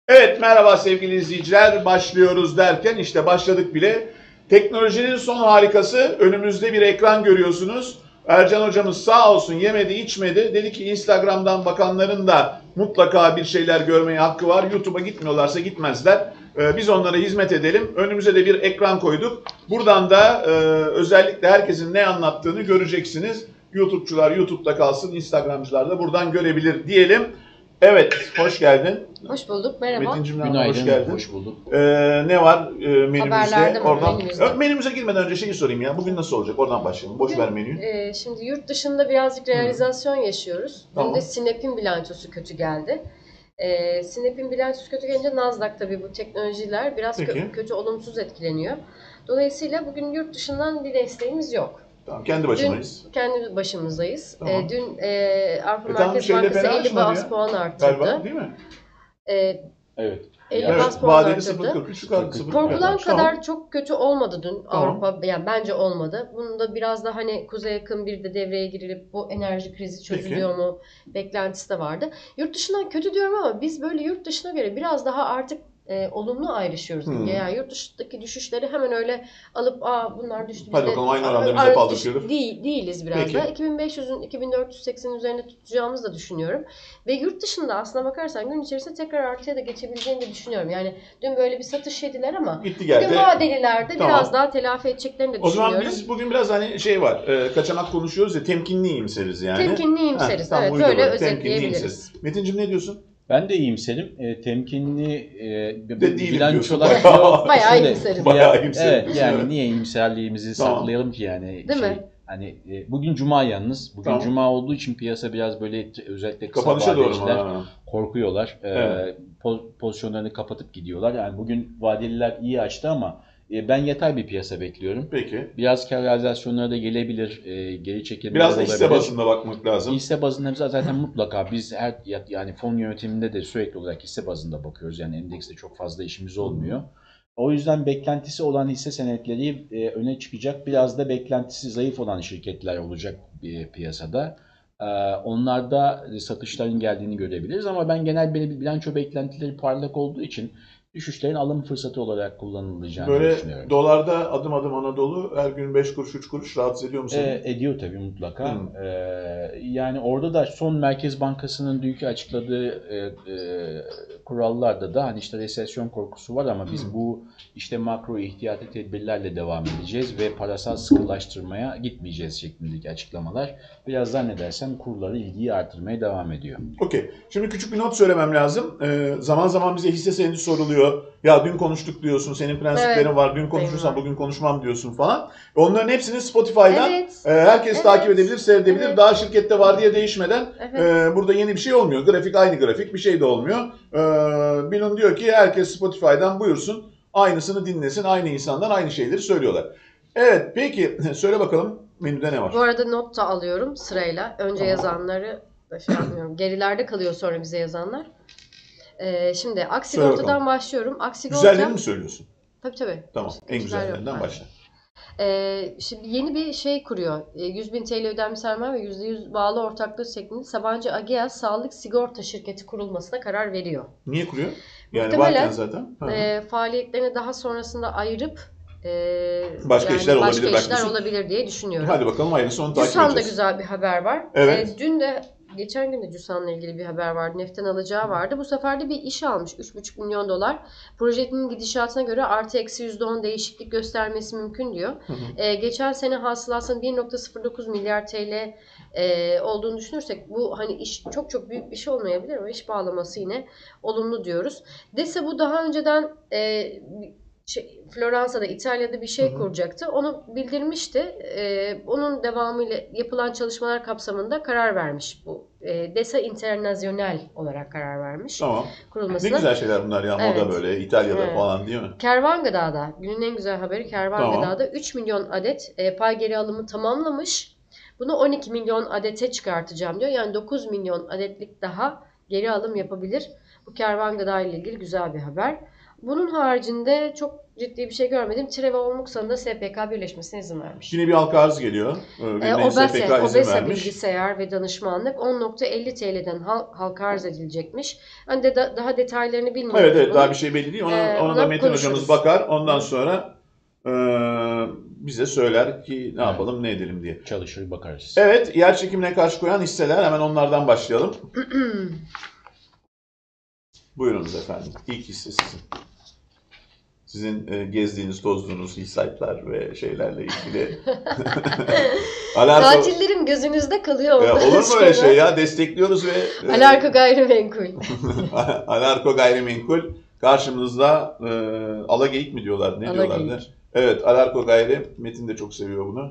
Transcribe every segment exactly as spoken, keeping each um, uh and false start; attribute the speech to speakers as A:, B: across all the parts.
A: Evet, merhaba sevgili izleyiciler. Başlıyoruz derken işte başladık bile. Teknolojinin son harikası, önümüzde bir ekran görüyorsunuz. Ercan hocamız sağ olsun yemedi içmedi. Dedi ki Instagram'dan bakanların da mutlaka bir şeyler görmeye hakkı var. YouTube'a gitmiyorlarsa gitmezler. Ee, biz onlara hizmet edelim. Önümüze de bir ekran koyduk. Buradan da e, özellikle herkesin ne anlattığını göreceksiniz. YouTube'cular YouTube'da kalsın, Instagram'cılar da buradan görebilir diyelim. Evet, hoş geldin.
B: Hoş bulduk, merhaba.
A: Metinciğim,
C: Günaydın,
A: hoş geldin.
C: hoş bulduk.
A: Ee, ne var e, menümüzde?
B: Haberlerde mi,
A: Oradan,
B: menümüzde?
A: Ö, menümüze girmeden önce şeyi sorayım ya. Bugün nasıl olacak? Oradan başlayalım. Boş
B: Bugün,
A: ver menüyü.
B: e, şimdi yurt dışında birazcık realizasyon yaşıyoruz.
A: Tamam.
B: Dün de Sinep'in bilançosu kötü geldi. E, Sinep'in bilançosu kötü gelince Nasdaq tabii bu teknolojiler biraz
A: Peki.
B: kö- kötü olumsuz etkileniyor. Dolayısıyla bugün yurt dışından bir desteğimiz yok.
A: Tamam, kendi başındayız.
B: Dün kendi başımızdayız.
A: Tamam.
B: E, dün e, Avrupa
A: E, tamam,
B: Merkez
A: şeyde
B: Bankası
A: fena
B: elli
A: açmadı
B: bas
A: ya.
B: puan arttırdı.
A: Galiba değil mi?
B: E,
C: Evet.
B: elli
C: Evet,
B: bas puan
A: vadeli
B: arttırdı.
A: sıfır virgül kırk üç yukarı sıfır virgül
B: Korkulan
A: kırk.
B: kadar
A: Tamam.
B: çok kötü olmadı dün
A: Tamam.
B: Avrupa. Yani bence olmadı. Bunun da biraz da hani kuzeye yakın bir de devreye girilip bu enerji krizi çözülüyor mu beklentisi de vardı. Yurt dışından kötü diyorum ama biz böyle yurt dışına göre biraz daha artık e, olumlu ayrışıyoruz.
A: Hmm.
B: Yani yurt dışındaki düşüşleri hemen öyle alıp aa bunlar düştü.
A: Hadi
B: biz de-
A: bakalım, aynı
B: Aa,
A: oranda bize
B: ar-
A: paldırtıyoruz.
B: düş- Değil, değiliz biraz
A: Peki.
B: da. iki bin beş yüzün iki bin dört yüz seksenin üzerinde tutacağımızı da düşünüyorum. Ve yurt dışında aslına bakarsan gün içerisinde tekrar artıya da geçebileceğini de düşünüyorum. Yani dün böyle bir satış yediler ama
A: Gitti
B: bugün
A: geldi.
B: vadelilerde
A: Tamam.
B: biraz daha telafi edeceklerini de
A: O
B: düşünüyorum.
A: zaman biz bugün biraz hani şey var, e, kaçamak konuşuyoruz ya, temkinli iyimseriz yani.
B: Temkinli iyimseriz.
A: Heh, tam
B: Evet,
A: uydu
B: böyle
A: böyle.
B: özetleyebiliriz.
A: Temkinli iyimseriz. Metinciğim ne diyorsun?
C: Ben de iyimserim. E, temkinli e,
A: De değilim
C: bilançolar
A: diyorsun.
C: yok.
B: Bayağı
C: Şöyle,
B: iyimserim.
A: Bayağı
C: ya-
A: iyimserim
C: Evet,
A: diyorsun,
C: yani
A: evet.
C: niye iyimserliğimizi
A: Tamam.
C: saklayalım ki yani.
B: Değil
C: şey,
B: mi?
C: Hani e, bugün cuma yalnız. Bugün
A: Tamam.
C: cuma olduğu için piyasa biraz böyle özellikle kısa
A: Kapanışa doğru mu?
C: vadeciler
A: Ha.
C: korkuyorlar. E,
A: Evet.
C: po- pozisyonlarını kapatıp gidiyorlar. Yani bugün vadeliler iyi açtı ama e, ben yatay bir piyasa bekliyorum.
A: Peki.
C: Biraz kar realizasyonları da gelebilir. E, geri çekilmeler
A: Biraz da
C: olabilir.
A: hisse bazında bakmak lazım.
C: Hisse bazında biz zaten mutlaka biz her yani fon yönetiminde de sürekli olarak hisse bazında bakıyoruz. Yani endekste çok fazla işimiz olmuyor. O yüzden beklentisi olan hisse senetleri e, öne çıkacak. Biraz da beklentisi zayıf olan şirketler olacak bir piyasada. E, onlarda satışların geldiğini görebiliriz ama ben genel bir bilanço beklentileri parlak olduğu için düşüşlerin alım fırsatı olarak kullanılacağını
A: Böyle
C: düşünüyorum.
A: dolarda adım adım Anadolu her gün beş kuruş üç kuruş rahatsız ediyor mu seni?
C: E, ediyor tabii mutlaka.
A: Hmm.
C: E, yani orada da son Merkez Bankası'nın dünkü açıkladığı e, e, kurallarda da hani işte resesyon korkusu var ama biz
A: Hmm.
C: bu işte makro ihtiyati tedbirlerle devam edeceğiz ve parasal sıkılaştırmaya gitmeyeceğiz şeklindeki açıklamalar biraz zannedersem kurları ilgiyi artırmaya devam ediyor.
A: Okey. Şimdi küçük bir not söylemem lazım. Ee, zaman zaman bize hisse senedi soruluyor. Ya dün konuştuk diyorsun, senin prensiplerin
B: Evet.
A: var, dün konuşursan
B: Benim var.
A: bugün konuşmam diyorsun falan. Onların hepsini Spotify'dan
B: Evet.
A: e, herkes
B: Evet.
A: takip edebilir, seyredebilir.
B: Evet.
A: Daha şirkette var diye değişmeden
B: Evet.
A: e, burada yeni bir şey olmuyor. Grafik aynı grafik, bir şey de olmuyor. E, Bilun diyor ki herkes Spotify'dan buyursun, aynısını dinlesin, aynı insanlar aynı şeyleri söylüyorlar. Evet, peki söyle bakalım menüde ne var?
B: Bu arada not da alıyorum sırayla. Önce yazanları da şey yapmıyorum. Gerilerde kalıyor sonra bize yazanlar. Ee, şimdi
A: Söyle
B: Aksigorta'dan
A: bakalım.
B: başlıyorum. Aksigorta...
A: Güzellerini mi söylüyorsun?
B: Tabii tabii.
A: Tamam, en
B: Güzel yok.
A: güzellerinden
B: Aynen.
A: başla.
B: Ee, şimdi yeni bir şey kuruyor. Ee, yüz bin T L ödenmiş sermaye ve yüzde yüz bağlı ortaklığı şeklinde Sabancı Ageas Sağlık Sigorta Şirketi kurulmasına karar veriyor.
A: Niye kuruyor? Yani
B: Muhtemelen,
A: varken zaten. Hı hı.
B: E, faaliyetlerini daha sonrasında ayırıp e,
A: Başka işler olabilir
B: başka
A: belki
B: işler
A: diyorsun.
B: olabilir diye düşünüyorum.
A: Hadi bakalım hayırlısı, onu takip
B: Cüsan'da
A: edeceğiz.
B: güzel bir haber var.
A: Evet.
B: E, dün de geçen gün de Cüsan'la ilgili bir haber vardı. Neften alacağı vardı. Bu sefer de bir iş almış. üç buçuk milyon dolar. Projenin gidişatına göre artı eksi yüzde on değişiklik göstermesi mümkün diyor.
A: Hı hı.
B: E, geçen sene hasılasının bir nokta sıfır dokuz milyar T L e, olduğunu düşünürsek bu hani iş çok çok büyük bir şey olmayabilir ama iş bağlaması yine olumlu diyoruz. Dese bu daha önceden e, şey, Floransa'da, İtalya'da bir şey
A: Hı hı.
B: kuracaktı. Onu bildirmişti. Ee, onun devamıyla yapılan çalışmalar kapsamında karar vermiş bu. Ee, Desa Internazional olarak karar vermiş
A: Tamam. Ne
B: kurulmasına.
A: güzel şeyler bunlar ya, moda
B: Evet.
A: böyle İtalya'da
B: Evet.
A: falan değil mi?
B: Kervan Gıda'da, günün en güzel haberi Kervan
A: Tamam.
B: Gıda'da üç milyon adet e, pay geri alımı tamamlamış. Bunu on iki milyon adete çıkartacağım diyor. Yani dokuz milyon adetlik daha geri alım yapabilir. Bu Kervan Gıda ile ilgili güzel bir haber. Bunun haricinde çok ciddi bir şey görmedim. Treva Olmuksan'ın da S P K birleşmesine izin vermiş.
A: Yine bir halka arz geliyor. Ee,
B: E,
A: birine S P K
B: OBESE,
A: izin
B: OBESE
A: vermiş.
B: bilgisayar ve danışmanlık on nokta elli T L'den hal, halka arz edilecekmiş. Hani de, da- daha detaylarını bilmiyoruz.
A: Evet evet
B: bunun.
A: daha bir şey belli değil. Ona,
B: Ee,
A: ona
B: ona
A: da Metin
B: konuşuruz.
A: hocamız bakar. Ondan
B: Hı.
A: sonra e, bize söyler ki ne yapalım ne edelim diye.
C: Çalışır bakarız.
A: Evet, yer çekimine karşı koyan hisseler, hemen onlardan başlayalım. Buyurunuz efendim. İlk hisse sizin. Sizin e, gezdiğiniz, tozduğunuz hissiyatlar ve şeylerle ilgili. Alarko,
B: Tatillerim gözünüzde kalıyor.
A: Ya,
B: ondan
A: olur mu
B: sonra.
A: öyle şey ya? Destekliyoruz ve... e,
B: Alarko gayrimenkul.
A: Alarko Gayrimenkul karşımızda, e, Alageyik mi diyorlar? Ne
B: Alageyik.
A: diyorlardı? Evet, Alarko Gayri. Metin de çok seviyor bunu.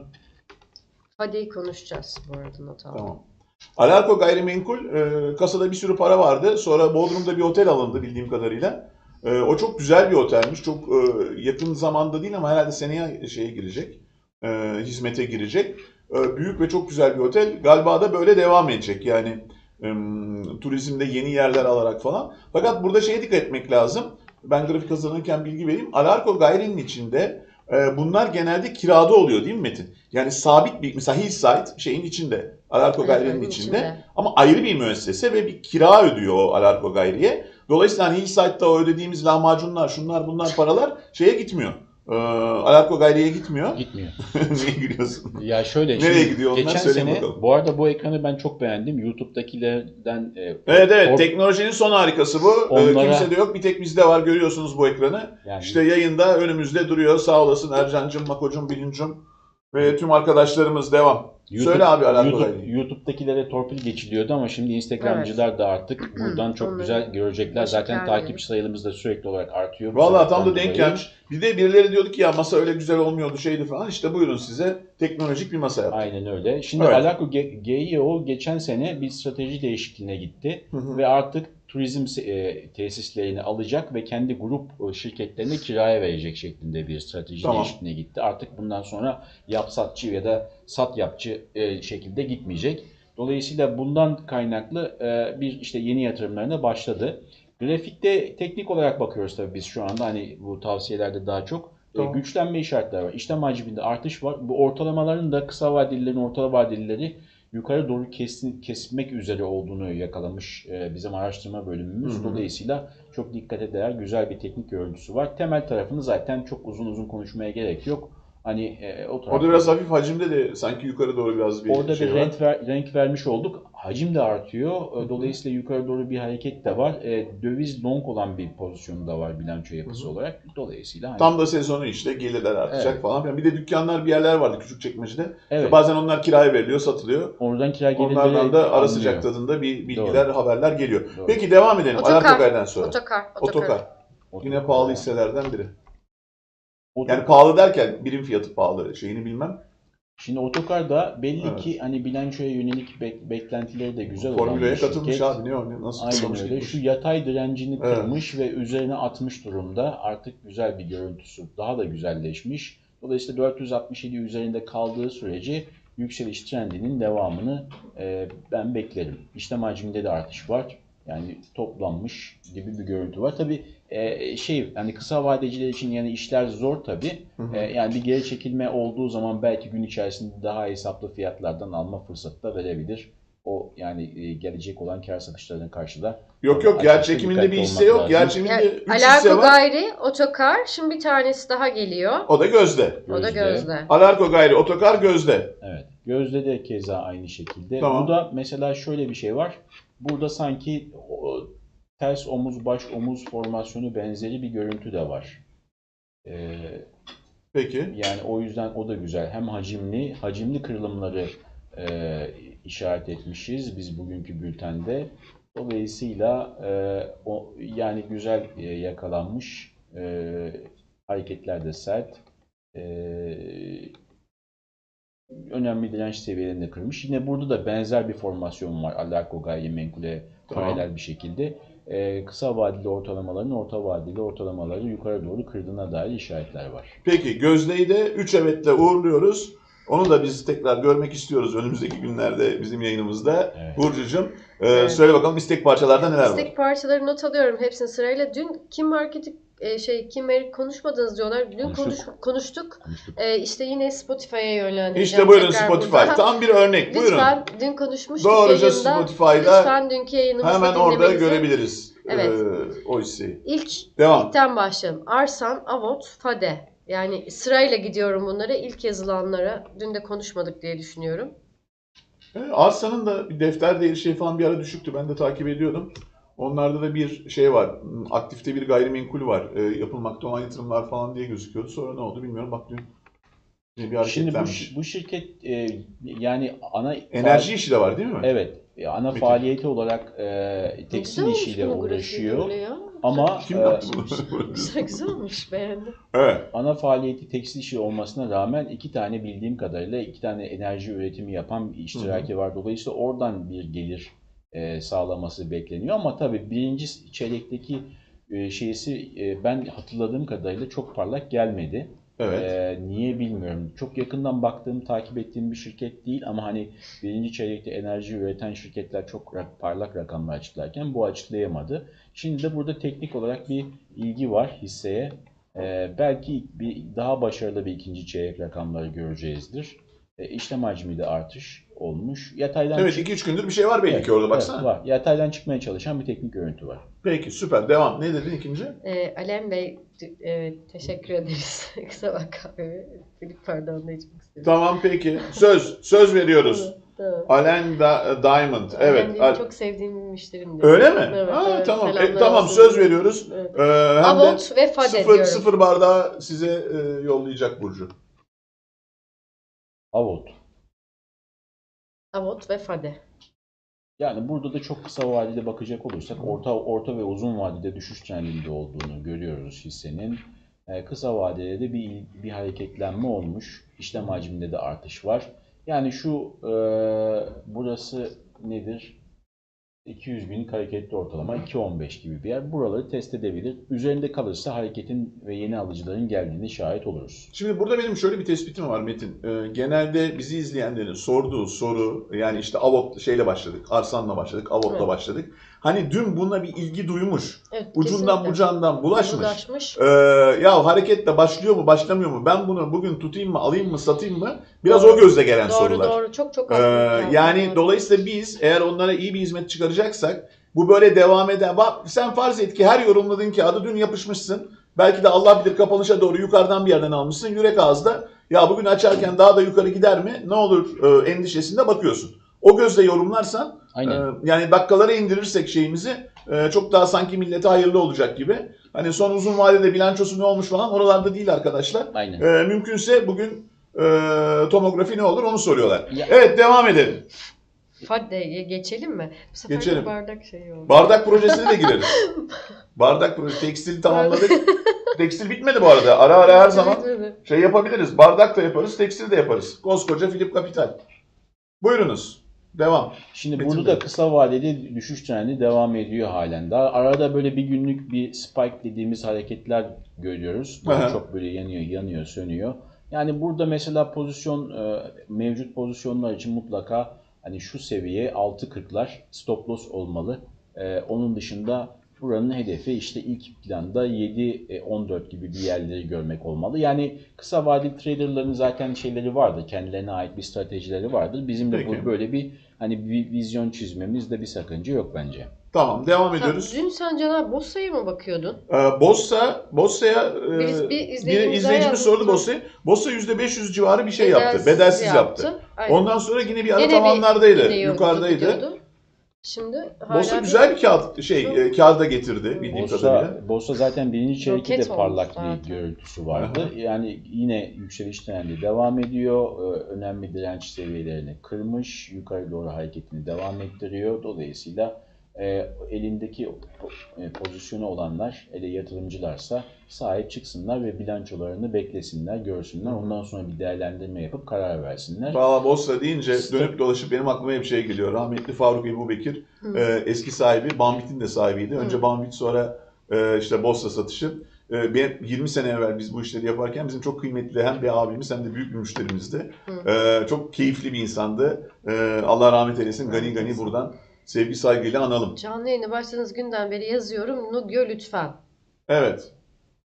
B: Hadi konuşacağız bu arada, not aldım.
A: Tamam. Alarko Gayrimenkul, e, kasada bir sürü para vardı. Sonra Bodrum'da bir otel alındı bildiğim kadarıyla. E, o çok güzel bir otelmiş. Çok e, yakın zamanda değil ama herhalde seneye şeye girecek. E, hizmete girecek. E, büyük ve çok güzel bir otel. Galiba da böyle devam edecek. Yani e, turizmde yeni yerler alarak falan. Fakat burada şeye dikkat etmek lazım. Ben grafik hazırlanırken bilgi vereyim. Alarko Gayri'nin içinde e, bunlar genelde kirada oluyor değil mi Metin? Yani sabit bir, mesela Hillside şeyin içinde. Alarko
B: Evet,
A: Gayri'nin
B: onun
A: içinde.
B: içinde.
A: Ama ayrı bir müessese ve bir kira ödüyor o Alarko Gayri'ye. Dolayısıyla hani Hillside'da o ödediğimiz lahmacunlar, şunlar bunlar paralar şeye gitmiyor. Ee, Alarko Gayri'ye gitmiyor.
C: Gitmiyor.
A: Niye gülüyorsun?
C: Ya şöyle,
A: Nereye
C: şimdi
A: gidiyor onlar?
C: geçen
A: Söyleyin
C: sene,
A: bakalım.
C: bu arada bu ekranı ben çok beğendim. YouTube'dakilerden e,
A: Evet evet,
C: or-
A: teknolojinin son harikası bu. Ee,
C: Onlara-
A: Kimse de yok, bir tek bizde var, görüyorsunuz bu ekranı.
C: yani
A: İşte yayında önümüzde duruyor. Sağ olasın Ercan'cım, Mako'cum, Bilinc'cum ve tüm arkadaşlarımız, devam.
C: YouTube,
A: Söyle abi Alarko
C: YouTube,
A: Gayri'yi.
C: YouTube'dakilere torpil geçiliyordu ama şimdi Instagramcılar da artık buradan çok
B: Onları
C: güzel görecekler.
B: başı
C: Zaten
B: kâr
C: takip
B: diyelim.
C: sayılarımız da sürekli olarak artıyor. Bu
A: Vallahi tam da
C: sebepten
A: denk
C: dolayı.
A: gelmiş. Bir de birileri diyordu ki ya masa öyle güzel olmuyordu şeydi falan. İşte buyurun size teknolojik bir masa yaptık.
C: Aynen öyle. Şimdi
A: Evet.
C: Alarko G I O geçen sene bir strateji değişikliğine gitti
A: Hı hı.
C: ve artık turizm e, tesislerini alacak ve kendi grup e, şirketlerini kiraya verecek şeklinde bir strateji
A: Tamam.
C: değişikliğine gitti. Artık bundan sonra yap satçı ya da sat yapçı e, şekilde gitmeyecek. Dolayısıyla bundan kaynaklı e, bir işte yeni yatırımlarına başladı. Grafikte teknik olarak bakıyoruz tabii biz şu anda, hani bu tavsiyelerde daha çok.
A: Tamam.
C: E, güçlenme işaretleri var. İşlem hacminde artış var. Bu ortalamaların da kısa vadelilerin orta vadelileri yukarı doğru kesin, kesmek üzere olduğunu yakalamış e, bizim araştırma bölümümüz.
A: Hı hı.
C: Dolayısıyla çok dikkate değer güzel bir teknik görüntüsü var. Temel tarafını zaten çok uzun uzun konuşmaya gerek yok. Hani e, o tarafta,
A: Orada biraz hafif hacimde de sanki yukarı doğru biraz bir
C: orada
A: şey
C: bir
A: var.
C: renk, ver, renk vermiş olduk. Hacim de artıyor. E, Dolayısıyla yukarı doğru bir hareket de var. E, döviz long olan bir pozisyonu da var bilanço yapısı
A: Hı hı.
C: olarak. Dolayısıyla hani,
A: Tam da sezonu işte, gelirler artacak
C: Evet.
A: falan filan. Bir de dükkanlar, bir yerler vardı Küçükçekmece'de.
C: evet,
A: Bazen onlar kiraya veriliyor, satılıyor.
C: oradan kira gelirleri
A: Onlardan da ara
C: alınıyor.
A: sıcak tadında bir bilgiler, haberler geliyor.
C: Doğru.
A: Peki devam edelim.
B: Otokar.
A: Alarko Gayri'den sonra.
B: Otokar. Otokar.
A: Otokar. Yine pahalı hisselerden biri.
C: Otokar-
A: Yani pahalı derken birim fiyatı pahalı, şeyini bilmem.
C: Şimdi Otokar'da belli
A: Evet.
C: ki hani bilançoya yönelik bek- beklentileri de güzel olan
A: Formüleye
C: bir
A: katılmış
C: şirket.
A: abi, ne o, ne- nasıl
C: Aynen
A: tutulmuş
C: öyle.
A: gitmiş.
C: Şu yatay direncini
A: Evet.
C: kırmış ve üzerine atmış durumda. Artık güzel bir görüntüsü. Daha da güzelleşmiş. Dolayısıyla dört yüz altmış yedi üzerinde kaldığı sürece yükseliş trendinin devamını e, ben beklerim. İşlem hacminde de artış var. Yani toplanmış gibi bir görüntü var. Tabii e, şey, hani kısa vadeciler için yani işler zor tabii.
A: Hı hı.
C: E, yani bir geri çekilme olduğu zaman belki gün içerisinde daha hesaplı fiyatlardan alma fırsatı da verebilir. O yani e, gelecek olan kar satışlarına karşı da
A: Yok yok, yer
C: açıkçası
A: çekiminde bir
C: dikkatli
A: hisse
C: olmak
A: yok. Yer
C: lazım.
A: çekiminde
B: Yani
A: üç hisse
B: Alarko
A: var.
B: Gayri, Otokar. Şimdi bir tanesi daha geliyor.
A: O da Gözde.
B: O da
C: Gözde.
B: Gözde.
A: Alarko Gayri, Otokar, Gözde.
C: Evet. Gözde de keza aynı şekilde.
A: Tamam.
C: Burada mesela şöyle bir şey var. Burada sanki o, ters omuz baş omuz formasyonu benzeri bir görüntü de var. Ee,
A: Peki.
C: yani o yüzden o da güzel. Hem hacimli, hacimli kırılımları e, işaret etmişiz biz bugünkü bültende. Dolayısıyla e, o yani güzel e, yakalanmış. E, hareketler de sert. E, önemli direnç seviyelerini de kırmış. Yine burada da benzer bir formasyon var. Alarko Gayrimenkul'e
A: Tamam.
C: paralel bir şekilde. Ee, kısa vadeli ortalamaların orta vadeli ortalamaları yukarı doğru kırdığına dair işaretler var.
A: Peki Gözde'yi de üç evetle uğurluyoruz. Onu da biz tekrar görmek istiyoruz önümüzdeki günlerde bizim yayınımızda.
C: Evet.
A: Burcucuğum, e,
B: Evet.
A: söyle bakalım istek parçalarda neler var?
B: İstek parçaları not alıyorum hepsini sırayla. Dün Kim Market'i e, şey Kim Erik konuşmadınız diyorlar. Dün
C: Konuştuk.
B: konuş, konuştuk.
C: Konuştuk.
B: E, işte yine Spotify'a yönlendireceğim.
A: İşte buyurun
B: tekrar
A: Spotify.
B: burada.
A: Tam bir örnek. Buyurun.
B: Lütfen dün konuşmuştuk
A: Doğruca
B: yayında.
A: Spotify'da
B: Lütfen dünkü yayınımızda
A: hemen orada
B: dinlemenizi-
A: görebiliriz
B: Evet.
A: e, o hisseyi.
B: İlk
A: Devam.
B: ilkten başlayalım. Arsan, Avot, Fade. Yani sırayla gidiyorum bunlara. İlk yazılanlara. Dün de konuşmadık diye düşünüyorum.
A: E, Arsa'nın da bir defter değeri şey falan bir ara düşüktü. Ben de takip ediyordum. Onlarda da bir şey var. Aktifte bir gayrimenkul var. E, yapılmakta olan yatırımlar falan diye gözüküyordu. Sonra ne oldu bilmiyorum. Bak dün bir
C: Şimdi bu,
A: hareketlenmiş.
C: bu şirket e, yani ana
A: Enerji işi de var değil mi?
C: evet e, ana
A: Metin.
C: faaliyeti olarak e,
B: Güzel
C: tekstil
B: olmuş
C: işiyle
B: bunun grafiği
C: uğraşıyor.
B: böyle ya.
C: Ama
A: Kim
C: e,
A: yaptı bunu?
B: Güzel, güzel olmuş. Beğendim.
A: Evet.
C: ana faaliyeti tekstil işi olmasına rağmen iki tane bildiğim kadarıyla iki tane enerji üretimi yapan bir iştiraki var. Dolayısıyla oradan bir gelir e, sağlaması bekleniyor. Ama tabii birinci çeyrekteki e, şeysi e, ben hatırladığım kadarıyla çok parlak gelmedi.
A: Evet.
C: Ee, niye bilmiyorum. Çok yakından baktığım, takip ettiğim bir şirket değil ama hani birinci çeyrekte enerji üreten şirketler çok rak- parlak rakamlar açıklarken bu açıklayamadı. Şimdi de burada teknik olarak bir ilgi var hisseye. Ee, belki bir daha başarılı bir ikinci çeyrek rakamları göreceğizdir. Ee, işlem hacmi de artış olmuş. Yataydan
A: Evet
C: çık-
A: iki üç gündür bir şey var belli
C: Evet,
A: ki orada
C: evet,
A: baksana.
C: var. Yataydan çıkmaya çalışan bir teknik görüntü var.
A: Peki süper. Devam. Ne dedin ikinci?
B: Ee, Alem Bey, evet, teşekkür ederiz. Kısa bak kahvemi. Filip pardon da içmek istedim.
A: Tamam peki. Söz. Söz veriyoruz.
B: Tamam.
A: Alain Da- Diamond.
B: Alem
A: Evet.
B: benim
A: Al-
B: çok sevdiğim bir müşterimdir.
A: Öyle mi?
B: Evet,
A: Ha,
B: evet.
A: tamam. E,
B: Selamlar
A: tamam
B: olsun.
A: söz veriyoruz.
B: Evet.
A: Ee, hem de
B: Avot ve Fade
A: sıfır,
B: diyorum.
A: sıfır bardağı size e, yollayacak Burcu.
C: Avot.
B: Avot ve Fade.
C: Yani burada da çok kısa vadede bakacak olursak orta orta ve uzun vadede düşüş trendinde olduğunu görüyoruz hissenin. Ee, kısa vadede de bir bir hareketlenme olmuş. İşlem hacminde de artış var. Yani şu e, burası nedir? iki yüz günlük hareketli ortalama iki on beş gibi bir yer. Buraları test edebilir. Üzerinde kalırsa hareketin ve yeni alıcıların geldiğine şahit oluruz.
A: Şimdi burada benim şöyle bir tespitim var Metin. Ee, genelde bizi izleyenlerin sorduğu soru yani işte Avot şeyle başladık. Arsan'la başladık. Avot'la
B: Evet.
A: başladık. Hani dün buna bir ilgi duymuş.
B: Evet,
A: Ucundan
B: kesinlikle.
A: bucağından bulaşmış.
B: Bulaşmış.
A: Ee, ya hareketle başlıyor mu başlamıyor mu? Ben bunu bugün tutayım mı alayım mı satayım mı? Biraz
B: Doğru.
A: o gözle gelen
B: Doğru
A: sorular.
B: doğru. Çok çok
A: Ee,
B: haklı.
A: yani dolayısıyla biz eğer onlara iyi bir hizmet çıkaracaksak bu böyle devam eder. Bak sen farz et ki her yorumladığın kağıdı dün yapışmışsın. Belki de Allah bilir kapanışa doğru yukarıdan bir yerden almışsın. Yürek ağızda ya bugün açarken daha da yukarı gider mi? Ne olur e, endişesinde bakıyorsun. O gözle yorumlarsan
C: Aynen.
A: e, yani dakikalara indirirsek şeyimizi e, çok daha sanki millete hayırlı olacak gibi. Hani son uzun vadede bilançosu ne olmuş falan oralarda değil arkadaşlar.
C: Aynen.
A: E, mümkünse bugün e, tomografi ne olur onu soruyorlar.
C: Ya-
A: Evet devam edelim.
B: Fade'ye geçelim mi? Bu sefer
A: Geçelim.
B: de bardak şeyi oldu.
A: Bardak projesine de gireriz. Bardak projesi. Tekstil tamamladık. Tekstil bitmedi bu arada. Ara ara her zaman şey yapabiliriz. Bardak da yaparız, tekstil de yaparız. Koskoca Philip Capital. Buyurunuz. Devam.
C: Şimdi
A: Metin
C: burada
A: Bey.
C: da kısa vadede düşüş trendi devam ediyor halen daha. Arada böyle bir günlük bir spike dediğimiz hareketler görüyoruz. Daha
A: Aha.
C: çok böyle yanıyor, yanıyor, sönüyor. Yani burada mesela pozisyon e, mevcut pozisyonlar için mutlaka hani şu seviye altı kırklar stop loss olmalı. E, onun dışında buranın hedefi işte ilk planda yedi on dört gibi bir yerleri görmek olmalı. Yani kısa vadeli traderların zaten şeyleri vardır. Kendilerine ait bir stratejileri vardır. Bizim de
A: Peki.
C: bu böyle bir hani bir vizyon çizmemizde bir sakınca yok bence.
A: Tamam devam
B: Ha,
A: ediyoruz.
B: dün sen Caner Bossa'ya mı bakıyordun?
A: Ee, Bossa, Bossa'ya e,
B: Bir- bir
A: bir
B: izleyicimiz
A: izleyicimiz
B: yazmış.
A: sordu Bossa'yı. Bossa yüzde beş yüz civarı bir şey yaptı. Bedelsiz yaptı.
B: Aynen.
A: Ondan sonra yine bir ara
B: Yine bir-
A: tavanlardaydı.
B: yine yok-
A: yukarıdaydı.
B: gidiyordu. Şimdi hala
A: Bossa güzel bir kağıt şey
B: Çok-
A: e, kağıda getirdi bildiğim kadarıyla.
C: Borsa, borsa zaten birinci çeyrekte de
B: Roket olmuş
C: parlak
B: zaten.
C: bir görüntüsü vardı.
A: Aha.
C: Yani yine yükseliş trendi devam ediyor. Ee, Önemli direnç seviyelerini kırmış. Yukarı doğru hareketini devam ettiriyor. Dolayısıyla e, elindeki po- e, pozisyonu olanlar, ele yatırımcılarsa sahip çıksınlar ve bilançolarını beklesinler, görsünler. Ondan sonra bir değerlendirme yapıp karar versinler.
A: Valla Bossa deyince
C: İşte-
A: dönüp dolaşıp benim aklıma hep şey geliyor. Rahmetli Faruk Ebubekir
B: Hı.
A: e, eski sahibi Banvit'in de sahibiydi. Önce
B: Hı.
A: Banvit sonra e, işte Bossa satışı. E, ben yirmi sene evvel biz bu işleri yaparken bizim çok kıymetli hem bir abimiz hem de büyük bir müşterimizdi.
B: Hı.
A: E, çok keyifli bir insandı. E, Allah rahmet eylesin. Gani
B: Rahmet
A: gani
B: eylesin.
A: buradan sevgi saygıyla analım.
B: Canlı yayına başladığınız günden beri yazıyorum. Nugyo lütfen.
A: Evet.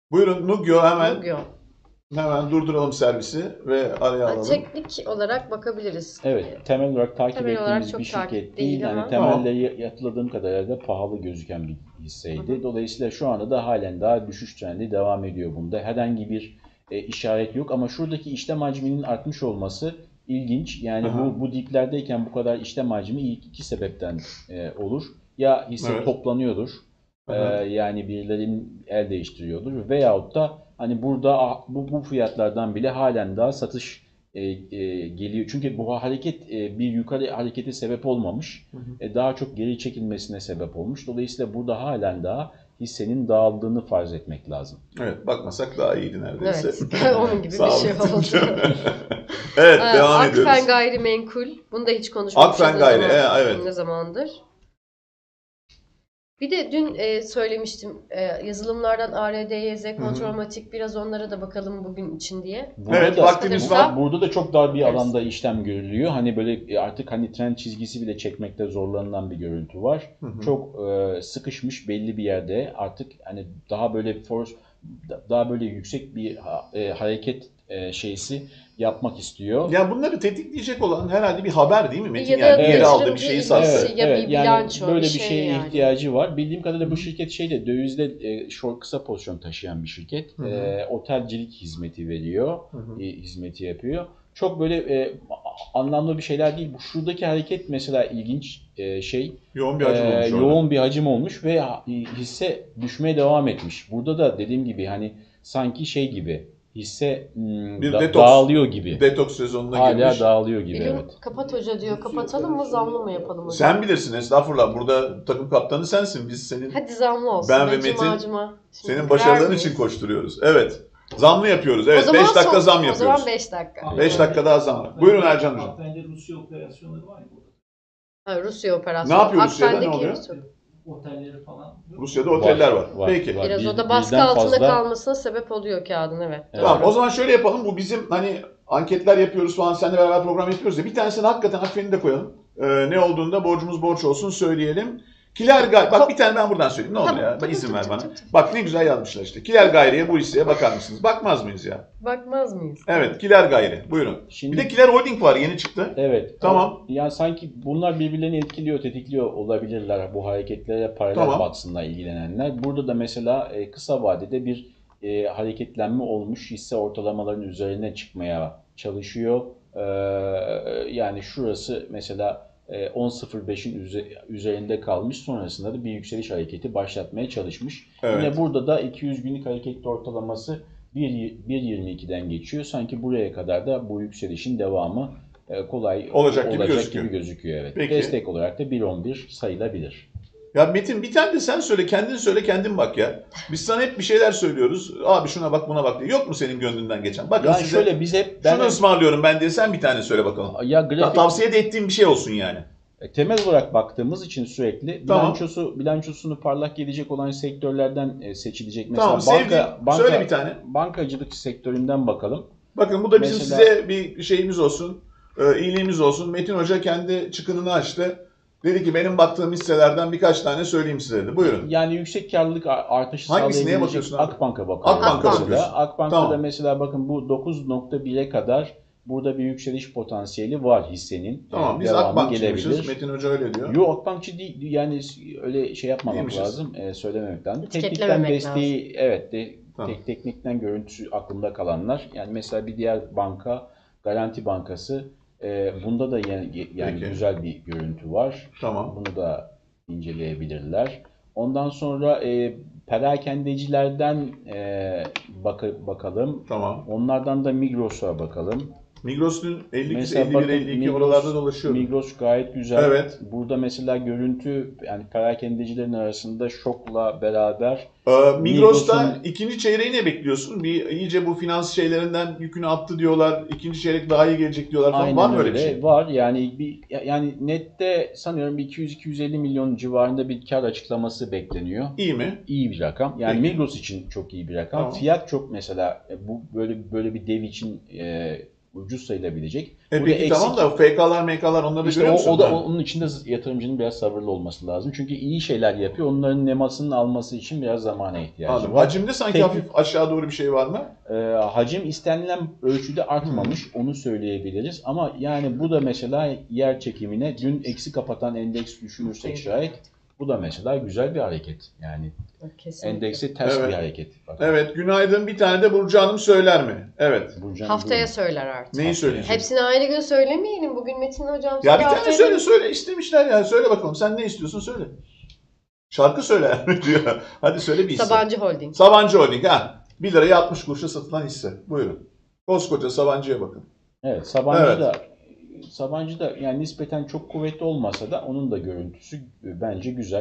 A: Buyurun Nugyo hemen
B: Nugyo.
A: hemen durduralım servisi ve araya
B: Yani
A: alalım.
B: teknik olarak bakabiliriz.
C: Evet, temel olarak takip
B: Temel olarak
C: ettiğimiz
B: çok
C: bir şirket
B: takip
C: değil.
B: değil
C: Yani
B: ama-
C: temelleri hatırladığım kadarıyla da pahalı gözüken bir hisseydi.
B: Hı hı.
C: Dolayısıyla şu anda da halen daha düşüş trendi devam ediyor bunda. Herhangi bir e, işaret yok ama şuradaki işlem hacminin artmış olması ilginç. Yani
A: Aha.
C: bu bu diplerdeyken bu kadar işlem hacmi ilk iki sebepten e, olur. Ya hisse
A: Evet.
C: toplanıyordur. e,
A: Aha.
C: yani birilerinin el değiştiriyordur veyahut da hani burada ah, bu, bu fiyatlardan bile halen daha satış e, e, geliyor. Çünkü bu hareket e, bir yukarı harekete sebep olmamış.
A: Hı hı.
C: E, daha çok geri çekilmesine sebep olmuş. Dolayısıyla burada halen daha hissenin dağıldığını farz etmek lazım.
A: Evet, bakmasak daha iyiydi neredeyse.
B: Evet, onun gibi bir şey
A: Sağlıklıca.
B: oldu.
A: Evet,
B: Ee,
A: devam
B: Akfen
A: ediyoruz.
B: Gayrimenkul. Bunu da hiç konuşmamışız.
A: Akfen
B: ne
A: Gayri,
B: zaman-
A: e, evet.
B: Ne zamandır. Bir de dün e, söylemiştim e, yazılımlardan A R D Y Z, Kontrolmatik, biraz onlara da bakalım bugün için diye.
C: Burada
A: Evet,
C: da,
A: vaktimiz
B: var.
C: Burada da çok dar bir
B: Evet.
C: alanda işlem görülüyor. Hani böyle e, artık hani trend çizgisi bile çekmekte zorlanılan bir görüntü var.
A: Hı hı.
C: Çok e, sıkışmış belli bir yerde. Artık hani daha böyle force daha böyle yüksek bir ha- e, hareket e, şeysi yapmak istiyor.
A: Yani bunları tetikleyecek olan herhalde bir haber değil mi Metin?
B: Ya da
A: yani bir yere
B: yatırımcı
A: aldı bir şeyi
B: ilgisi
A: sattı.
B: ya bir bilanço,
C: böyle
B: bir
C: bir
B: şey
C: şeye
B: yani.
C: ihtiyacı var. Bildiğim kadarıyla bu şirket şeyde dövizde e, short kısa pozisyon taşıyan bir şirket.
A: Hı hı.
C: E, otelcilik hizmeti veriyor,
A: Hı hı.
C: e, hizmeti yapıyor. Çok böyle e, anlamlı bir şeyler değil. Bu şuradaki hareket mesela ilginç e, şey.
A: Yoğun bir hacim
C: Ee,
A: olmuş orada.
C: yoğun bir hacim olmuş ve ha- hisse düşmeye devam etmiş. Burada da dediğim gibi hani sanki şey gibi hisse hmm,
A: Bir
C: da-
A: detoks.
C: dağılıyor gibi.
A: Detoks sezonuna
C: Hala
A: girmiş.
C: dağılıyor gibi,
B: Bilim
C: evet.
B: kapat hoca diyor. Kapatalım mı, zamlı mı yapalım hocam?
A: Sen bilirsin estağfurullah. Burada takım kaptanı sensin. Biz senin
B: Hadi zamlı olsun.
A: Ben ve
B: Be, cıma
A: Metin
B: cıma. Şimdi
A: senin
B: kırar
A: başarıların
B: mıyız?
A: için koşturuyoruz. Evet. Zamlı yapıyoruz.
B: O
A: Evet.
B: zaman
A: beş dakika
B: son-
A: zam
B: O
A: yapıyoruz.
B: zaman beş dakika.
A: beş dakika daha zam var. Buyurun Ercan Hocam.
D: Akfen'de Rusya operasyonları var ya burada.
B: Ha, Rusya operasyonu.
A: Ne yapıyor Rusya'da? Ne
B: Akfen'deki
A: oluyor?
B: Rusya.
D: Otelleri falan.
A: Rusya'da oteller var. Peki.
C: var.
B: Biraz
C: Bir-
B: o da baskı
C: birden
B: altında
C: fazla-
B: kalmasına sebep oluyor kağıdın, evet.
C: Evet.
A: Tamam o zaman şöyle yapalım. Bu bizim hani anketler yapıyoruz falan. Seninle beraber program yapıyoruz ya. Bir tanesini hakikaten Akfen'i de koyalım. Ee, ne olduğunda borcumuz borç olsun söyleyelim. Kiler Gayri, bak bir tane ben buradan söyleyeyim ne olur
B: Tamam,
A: ya.
B: tamam,
A: izin
B: tamam,
A: ver bana.
B: tamam, tamam.
A: Bak ne güzel yazmışlar işte. Kiler Gayri'ye bu hisseye bakar mısınız? Bakmaz mıyız ya?
B: Bakmaz mıyız?
A: Evet Kiler Gayri. Buyurun.
C: Şimdi,
A: Bir de Kiler Holding var yeni çıktı.
C: evet.
A: Tamam.
C: Yani sanki bunlar birbirlerini etkiliyor, tetikliyor olabilirler. Bu hareketlere paralel
A: Tamam.
C: baksınlar ilgilenenler. Burada da mesela e, kısa vadede bir e, hareketlenme olmuş. Hisse ortalamaların üzerine çıkmaya çalışıyor. E, yani şurası mesela e, on nokta sıfır beşin üzerinde kalmış. Sonrasında da bir yükseliş hareketi başlatmaya çalışmış.
A: Evet.
C: Yine burada da iki yüz günlük hareketli ortalaması bir virgül yirmi ikiden geçiyor. Sanki buraya kadar da bu yükselişin devamı e, kolay
A: Olacak gibi gözüküyor.
C: gibi gözüküyor. Evet.
A: Peki.
C: Destek olarak da bir virgül on bir sayılabilir.
A: Ya Metin bir tane de sen söyle, kendin söyle, kendin bak ya. Biz sana hep bir şeyler söylüyoruz. Abi şuna bak, buna bak diye. Yok mu senin gönlünden geçen? Bakın
C: Yani
A: size
C: şöyle biz hep ben
A: şunu ısmarlıyorum ben diye sen bir tane söyle bakalım.
C: ya
A: Ya,
C: grafik
A: tavsiye de ettiğim bir şey olsun yani.
C: E, temel olarak baktığımız için sürekli
A: Tamam.
C: bilançosu bilançosunu parlak gelecek olan sektörlerden e, seçilecek. Mesela
A: Tamam,
C: banka
A: sevdiğin-
C: banka
A: söyle bir tane.
C: bankacılık sektöründen bakalım.
A: Bakın bu da bizim
C: Mesela-
A: size bir şeyimiz olsun, e, iyiliğimiz olsun. Metin Hoca kendi çıkınını açtı. Dedi ki benim baktığım hisselerden birkaç tane söyleyeyim size dedi. Buyurun.
C: Yani yüksek karlılık a- artışı
A: Hangisi, neye
C: sağlayabilecek
A: bakıyorsun abi?
C: Akbank'a bakıyoruz.
A: Akbank'a
C: mesela.
A: bakıyorsun.
C: Akbank'ta
A: Tamam.
C: da mesela bakın bu dokuz nokta bire kadar burada bir yükseliş potansiyeli var hissenin.
A: Tamam
C: Yani
A: biz
C: devamı
A: Akbankçıymışız.
C: gelebilir.
A: Metin Hoca öyle diyor.
C: Yo Akbankçı değil yani öyle şey yapmamak
A: Değilmişiz.
C: lazım, e, söylememek lazım. Teknikten
B: Etiketlememek
C: desteği evet de,
A: Tamam.
C: tek teknikten görüntüsü aklımda kalanlar. Yani mesela bir diğer banka Garanti Bankası e, bunda da yani, yani
A: Peki.
C: güzel bir görüntü var.
A: Tamam.
C: Bunu da inceleyebilirler. Ondan sonra e, perakendecilerden e, bak bakalım.
A: Tamam.
C: Onlardan da Migros'a bakalım.
A: Migros'un elli iki,
C: Mesela
A: elli bir,
C: bakın
A: elli iki
C: Migros-
A: oralarda dolaşıyor.
C: Migros gayet güzel.
A: Evet.
C: Burada mesela görüntü yani perakendecilerin arasında şokla beraber
A: Ee, Migros'ta
C: Migros'un-
A: ikinci çeyreği ne bekliyorsun? Bir iyice bu finans şeylerinden yükünü attı diyorlar. İkinci çeyrek daha iyi gelecek diyorlar falan.
C: aynen
A: Var mı öyle
C: öyle
A: bir şey?
C: var. Yani bir yani nette sanıyorum bir iki yüz iki yüz elli milyon civarında bir kar açıklaması bekleniyor.
A: İyi mi?
C: İyi bir rakam. Yani
A: Peki.
C: Migros için çok iyi bir rakam.
A: Tamam.
C: Fiyat çok mesela e, bu böyle böyle bir dev için e, ucuz sayılabilecek.
A: E
C: Burada
A: peki tamam da F K'lar M K'lar onları da
C: İşte
A: görüyor
C: o,
A: musun?
C: o da
A: Ha.
C: onun içinde yatırımcının biraz sabırlı olması lazım. Çünkü iyi şeyler yapıyor. Onların nemasını alması için biraz zamana ihtiyacı
A: Anladım.
C: var.
A: Hacimde sanki
C: Tek-
A: hafif aşağı doğru bir şey var mı?
C: Ee, hacim istenilen ölçüde artmamış. Onu söyleyebiliriz. Ama yani bu da mesela yer çekimine dün eksi kapatan endeks düşünürsek şayet bu da mesela güzel bir hareket. Yani
B: Kesinlikle.
C: endekse ters
A: Evet.
C: bir hareket. Bakın.
A: Evet, günaydın. Bir tane de Burcu Hanım söyler mi? Evet.
C: Burcu Hanım,
B: Haftaya
C: buyurun.
B: söyler artık.
A: Neyi söyleyecek?
B: Hepsini aynı gün söylemeyelim. Bugün Metin hocam
A: Ya
B: söyle,
A: bir tane
B: haftaya
A: söyle
B: da-
A: söyle istemişler ya. Söyle bakalım. Sen ne istiyorsun söyle. Şarkı söyle diyor. Hadi söyle bir hisse.
B: Sabancı Holding.
A: Sabancı Holding ha. bir liraya altmış kuruşa satılan hisse. Buyurun. Koskoca Sabancı'ya bakın.
C: Evet, Sabancı
A: Evet.
C: da Sabancı da yani nispeten çok kuvvetli olmasa da onun da görüntüsü bence güzel.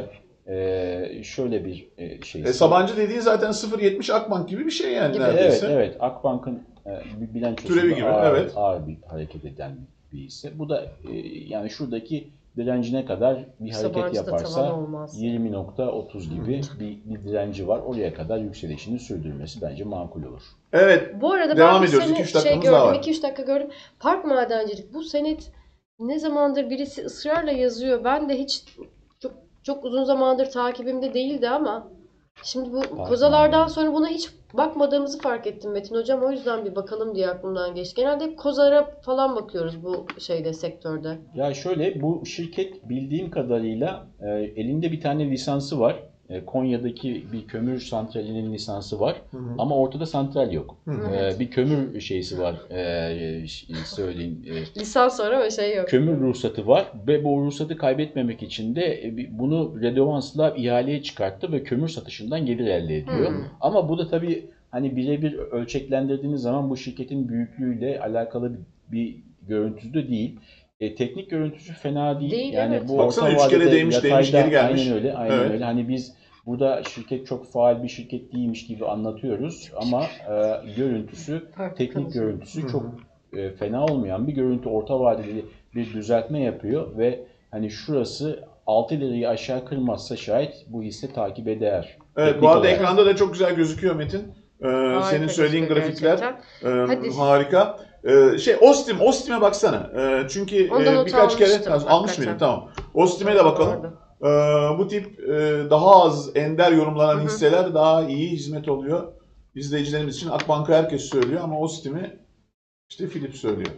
C: Ee, şöyle bir e, şey.
A: E, Sabancı dediğin zaten sıfır virgül yetmiş Akbank gibi bir şey yani
B: Gibi.
C: Evet,
A: neredeyse.
C: evet. Akbank'ın e, bir bilançosunda
A: Türevi gibi,
C: ağır,
A: evet.
C: ağır bir hareket eden bir hisse. Bu da e, yani şuradaki direncine kadar bir hareket
B: Sabancı'da tavan
C: yaparsa
B: olmaz.
C: yirmi nokta otuz gibi bir, bir direnci var. Oraya kadar yükselişini sürdürmesi bence makul olur.
A: Evet.
B: Bu arada
A: Devam
B: ben bir
A: ediyoruz.
B: sene
A: iki üç
B: şey
A: dakikamız daha
B: gördüm.
A: var.
B: iki üç dakika gördüm. Park madencilik. Bu senet ne zamandır birisi ısrarla yazıyor. Ben de hiç çok çok uzun zamandır takibimde değildi ama şimdi bu kozalardan
C: madenciliği.
B: sonra buna hiç bakmadığımızı fark ettim Metin hocam. O yüzden bir bakalım diye aklımdan geçti. Genelde hep kozara falan bakıyoruz bu şeyde, sektörde.
C: Ya şöyle, bu şirket bildiğim kadarıyla e, elinde bir tane lisansı var. E, Konya'daki bir kömür santralinin lisansı var.
A: Hı hı.
C: Ama ortada santral yok.
A: Hı hı.
C: E, bir kömür şeysi var. E, ş- söyleyeyim. E,
B: Lisans sonra o şey yok.
C: kömür ruhsatı var ve bu ruhsatı kaybetmemek için de e, bir- bunu redovansla ihaleye çıkarttı ve kömür satışından gelir elde ediyor.
B: Hmm.
C: Ama bu da tabii hani birebir ölçeklendirdiğiniz zaman bu şirketin büyüklüğüyle alakalı bir, bir görüntüsü de değil. E, teknik görüntüsü fena değil.
B: Değil,
C: yani
B: evet.
C: bu
A: Baksana,
C: orta
A: üç kere
C: vadede
A: değmiş, değmiş,
C: yatayda-
A: geri gelmiş.
C: Aynen öyle, aynen
A: Evet.
C: öyle. Hani biz burada şirket çok faal bir şirket değilmiş gibi anlatıyoruz ama e, görüntüsü,
B: Park
C: teknik
B: kalıcı.
C: görüntüsü
A: Hı hı.
C: çok e, fena olmayan bir görüntü. Orta vadeli bir düzeltme yapıyor ve hani şurası altı lirayı aşağı kırmazsa şayet bu hisse takip eder.
A: Evet,
C: Teknik
A: bu arada
C: olarak.
A: ekranda da çok güzel gözüküyor Metin. Ee,
B: Harika
A: senin söylediğin
B: gözüküyor
A: grafikler
B: gerçekten.
A: e,
B: Hadi.
A: harika. Ee, şey Ostim, Ostim'e baksana. Ee, çünkü
B: Ondan
A: e,
B: not
A: birkaç kere
B: almıştım,
A: almış
B: hakikaten.
A: mıydın? Tamam. Ostim'e de bakalım.
B: Orada.
A: Ee, bu tip e, daha az ender yorumlanan
B: Hı hı.
A: hisseler daha iyi hizmet oluyor. İzleyicilerimiz için Akbank'ı herkes söylüyor ama Ostim'i işte Philip söylüyor.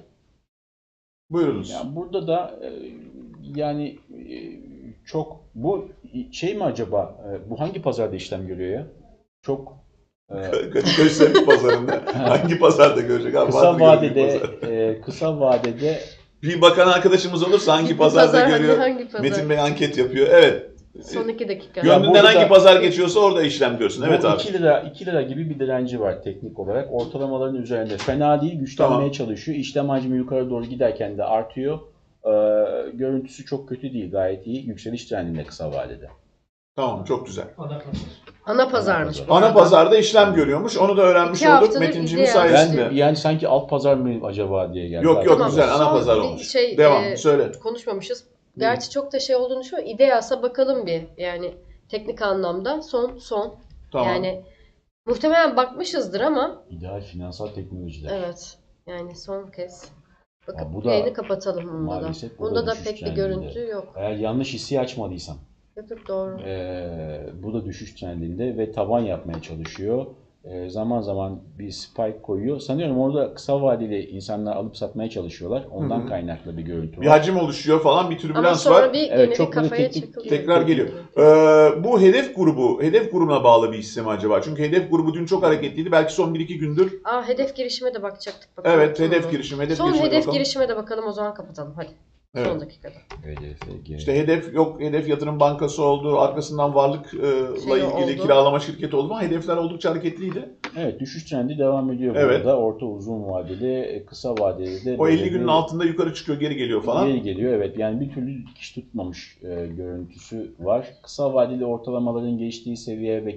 A: Buyurunuz.
C: Yani burada da e, yani e, çok bu şey mi acaba, e, bu hangi pazarda işlem görüyor ya? Çok e,
A: Kadıköy Semih Pazarı'nda hangi pazarda görecek? Abi,
C: kısa
A: vardı gördüğü
C: vadede
A: pazar.
C: e, kısa vadede
A: Bir bakan arkadaşımız olursa hangi
B: Gitti
A: pazarda
B: pazar, hadi
A: görüyor?
B: hangi pazar?
A: Metin Bey anket yapıyor. Evet.
B: Son iki dakika.
C: Ya
A: Gönlünden
C: burada
A: hangi
C: da-
A: pazar geçiyorsa orada işlem görsün. Evet
C: bu
A: abi.
C: iki lira iki lira gibi bir direnci var teknik olarak. Ortalamaların üzerinde. Fena değil, güçlenmeye
A: Tamam.
C: çalışıyor. İşlem hacmi yukarı doğru giderken de artıyor. E, görüntüsü çok kötü değil, gayet iyi. Yükseliş trendinde kısa vadede.
A: Tamam, çok güzel.
D: Ana pazar.
B: Ana pazarmış bu
A: Ana
B: arada.
A: pazarda işlem görüyormuş. Onu da öğrenmiş
B: İki
A: olduk
B: haftadır
A: Metinciğimiz
B: izleyen-
A: sayesinde.
C: Ben yani sanki alt pazar mı acaba diye geldi.
A: Yok yok
B: Tamam,
A: güzel. Ana
B: son
A: pazar
B: bir
A: olmuş.
B: şey,
A: Devam.
B: e,
A: Söyle.
B: Konuşmamışız. Gerçi çok da şey olduğunu düşünüyorum. İdeasa bakalım bir. Yani teknik anlamda son son.
A: Tamam.
B: Yani muhtemelen bakmışızdır ama
C: İdeal finansal teknolojiler.
B: evet. Yani son kez. Bakıp
C: Ha, bu da
B: yayını kapatalım bunda da.
C: maalesef bu da
B: Bunda da
C: düşüş
B: pek bir
C: trendinde.
B: görüntü yok.
C: Eğer yanlış hissi açmadıysam.
B: Yok yok doğru.
C: Ee, bu da düşüş trendinde ve taban yapmaya çalışıyor. Ee, zaman zaman bir spike koyuyor. Sanıyorum orada kısa vadeli insanlar alıp satmaya çalışıyorlar. Ondan
A: Hı hı.
C: kaynaklı bir görüntü
A: Bir
C: var.
A: hacim oluşuyor falan. Bir
B: Ama
A: türbülans
B: sonra
A: var.
B: bir
C: Evet,
B: gene bir
C: çok böyle
B: kafaya
C: teknik-
B: çakılıyor.
A: Tekrar geliyor. Ee, bu hedef grubu, hedef grubuna bağlı bir hisse mi acaba? Çünkü hedef grubu dün çok hareketliydi. Belki son bir iki gündür.
B: Aa hedef girişime de bakacaktık. Bakalım.
A: Evet,
B: Tamam.
A: hedef girişim, hedef
B: Son
A: girişime
B: hedef
A: bakalım.
B: girişime de bakalım, o zaman kapatalım hadi.
A: Evet.
B: Son dakikada.
C: H D F G.
A: İşte hedef yok, hedef yatırım bankası oldu. Arkasından varlıkla
B: Şey
A: ilgili
B: oldu.
A: kiralama şirketi oldu ama hedefler oldukça hareketliydi.
C: Evet, düşüş trendi devam ediyor
A: Evet.
C: burada. Orta uzun vadeli, e, kısa vadeli de
A: O
C: böyle
A: elli günün
C: bir-
A: altında yukarı çıkıyor, geri geliyor falan.
C: Geri geliyor, evet. Yani bir türlü dikiş tutmamış e, görüntüsü var. Kısa vadeli ortalamaların geçtiği seviye ve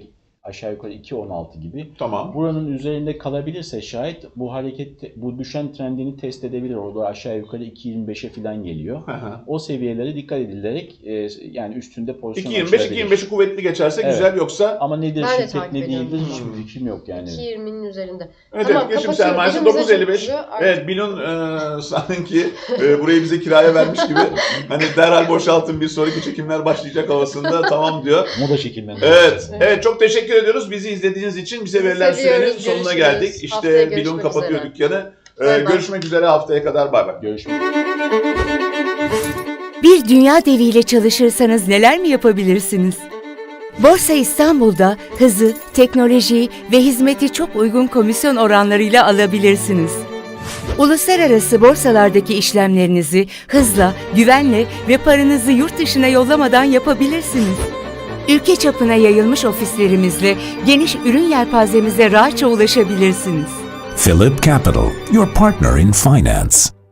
C: aşağı yukarı iki on altı gibi.
A: Tamam.
C: Buranın üzerinde kalabilirse şayet bu hareket, bu düşen trendini test edebilir. Orada aşağı yukarı iki yirmi beşe falan geliyor. O seviyelere dikkat edilerek e, yani üstünde pozisyon
A: iki yirmi beş iki
C: açılabilir.
A: yirmi beşi kuvvetli geçerse
C: Evet.
A: güzel, yoksa
C: Ama nedir
B: Ben de
C: şirket
B: takip
C: ne
B: ediyorum.
C: değildir hiçbir fikrim yok yani.
B: iki yirminin üzerinde.
A: evet,
B: Tamam,
A: evet, geçim
B: kapatıyorum.
A: sermayesi
B: Elimize
A: dokuz elli beş.
B: çıkıyor artık.
A: Evet, Bilon e, sanki e, burayı bize kiraya vermiş gibi hani derhal boşaltın, bir sonraki çekimler başlayacak havasında tamam diyor.
C: Moda çekimlerinde.
A: Evet, evet, çok teşekkür ediyoruz bizi izlediğiniz için. Bize
B: Bizi
A: verilen
B: seviyoruz,
A: sürenin sonuna
B: görüşürüz.
A: geldik.
B: Haftaya
A: İşte Bilon
B: görüşmek
A: kapatıyor
B: üzere.
A: dükkanı. E,
B: Bay bay.
A: görüşmek üzere, haftaya kadar, bay bay.
C: Görüşmek
E: Bir dünya deviyle çalışırsanız neler mi yapabilirsiniz? Borsa İstanbul'da hızı, teknolojiyi ve hizmeti çok uygun komisyon oranlarıyla alabilirsiniz. Uluslararası borsalardaki işlemlerinizi hızla, güvenle ve paranızı yurt dışına yollamadan yapabilirsiniz. Ülke çapına yayılmış ofislerimizle geniş ürün yelpazemize rahatça ulaşabilirsiniz.
F: Philip Capital, your partner in finance.